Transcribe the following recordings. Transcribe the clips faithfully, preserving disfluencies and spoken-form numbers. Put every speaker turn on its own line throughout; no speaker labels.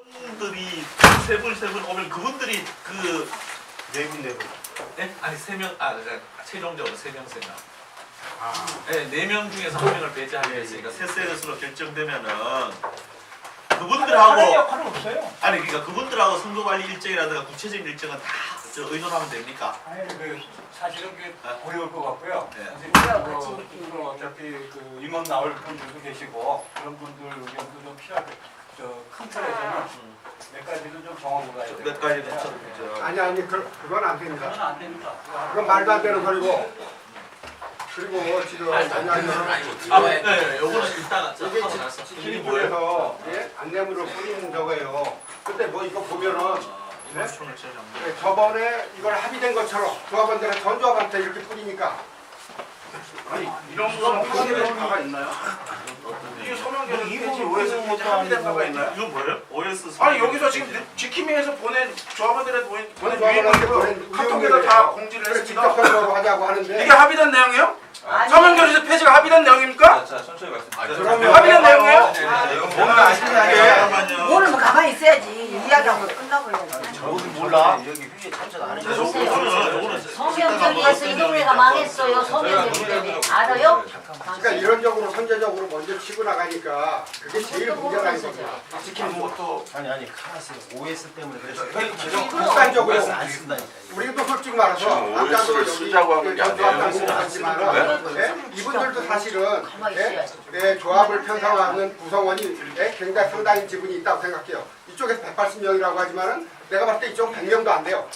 분들이 세 분 세 분 오면 그분들이 그
네 분, 네 분.
네? 아니 세 명, 아 그러니까 최종적으로 세 명 세 명.
아,
네, 네 명 중에서 한 명을 배제하게 됐으니까 세 셋으로 결정되면은 그분들하고
하는 역할은 없어요.
아니 그러니까 그분들하고 선거 관리 일정이라든가 구체적인 일정은 다 저 의논하면 됩니까?
아니 그 사실은 그
아.
어려울 것 같고요.
네.
선생님 뭐, 그 어차피 그 임원 나올 분들도 계시고 그런 분들 의견도 좀 필요할 저큰 틀에서는 몇 가지는 좀 정하고 가야 돼요.
몇 가지는 좀 저-
아니 아니 그, 그건 안 됩니다.
그건 안 됩니다.
그건 말도 안 되는 소리고. 그리고 지금 아니 아니
아, 네, 네, 요거는 일단 저
이게
하고 나서 이게 뭐예요?
지리부에서 예? 안내문을 뿌리는 저거예요. 근데 뭐 이거 보면은
이만 총을 제일 안
네, 저번에 이걸 합의된 것처럼 조합원들은 전 조합한테 이렇게 뿌리니까
아니, 이런 거는 합의된 바가 있나요? 이게 서명 계획 페이지 오에스 페이지 합의된 바가 있나요?
이건 뭐예요? 오에스
아니, 여기서 지금 지킴이에서 보낸 조합원들한테 보낸 보낸
조합원한테
유인물로
보낸
카톡에다 다
유인물이에요.
공지를
그래서
했습니다.
직접 선거로 하자고 하는데
이게 합의된 내용이에요?
아니.
서명 결의서 폐지가 합의된 내용입니까?
자, 천천히 말씀.
그러면
합의된 내용이에요?
뭔가 아시는
잠깐만요.
모르면 가만히 있어야지. 이야기하고 끝나버려야지.
저는 몰라. 여기 회의 참석 안
자,
해주셔서.
요거는 요거는
성경절에서 이 동네가 망했어요. 성경절 때문에. 알아요?
그러니까 이론적으로 선제적으로 먼저 치고 나가니까 그게 제일 문제가 있는 겁니다.
지키는 것도
아니 아니 카라스 오에스 때문에 그래서
회의 지정
국간적으로
오에스 안 쓴다니까.
우리도 솔직히 말해서
지금
아까도
오에스를
여기
쓰자고 하는 게
전조합
아니에요.
당국이지만은 예? 이분들도 사실은
가만히
예?
있어야지.
예, 조합을 편성하는 구성원이 예? 굉장히 상당히 지분이 있다고 생각해요. 이쪽에서 백팔십 명이라고 하지만은 내가 봤을 때 이쪽은 백 명도 안 돼요.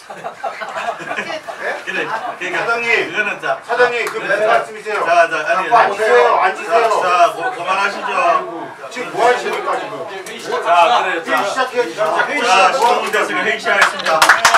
예?
그래, 그러니까
사장님,
그거는 자
사장님 그 무슨
네.
말씀이세요?
자, 자, 아니,
갖고
아니,
오세요.
앉으세요.
자, 자, 뭐, 그만하시죠.
지금 뭐 하시는 거야 지금?
자, 그래,
회의
자,
시작해야지. 진짜 회의
자,
시작. 뭐
시청자 됐으니까 회의 시작하겠습니다.